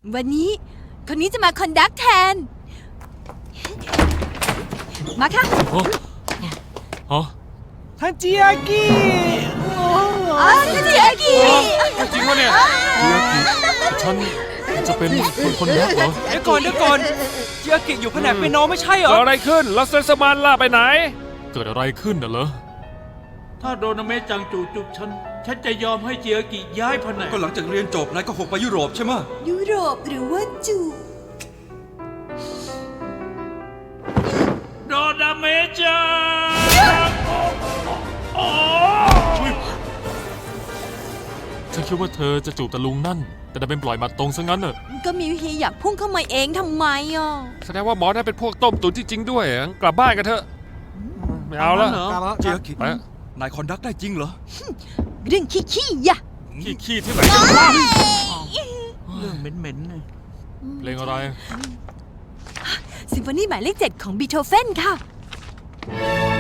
วันนี้คนนี้จะมาคอนดักแทน มาค่ะอ๋อท่านจิอากิท่านจิอากิจริงวะเนี่ยจิอากิฉันจะเป็นคนรักเหรอเดี๋ยวก่อนจิอากิอยู่แผนกเปียโนไม่ใช่เหรอเกิดอะไรขึ้นแล้วเซนสมานล่าไปไหน เกิดอะไรขึ้นน่ะเหรอถ้าโดนาเมะจังจูจุบฉันจะยอมให้เจียกิย้ายแผนกก็หลังจากเรียนจบนายก็คงไปยุโรปใช่ไหมยุโรปหรือว่าจูโดนาเมะจังฉันคิดว่าเธอจะจูบตะลุงนั่น แต่ดันเป็นปล่อยมาตรงซะงั้นน่ะก็มิวเฮียอยากพุ่งเข้ามาเองทำไมอ่ะแสดงว่าหมอนั่นเป็นพวกต้มตุ๋นจริงๆด้วยกลับบ้านกันเถอะไม่เอาแล้วจิอากิไปนายคอนดักได้จริงเหรอเรื่องขี้ๆอย่าขี้ที่ไหนกันบ้างเรื่องเหม็นๆเลยเพลงอะไรซิมโฟนีหมายเลข 7 ของบีโธเฟนค่ะ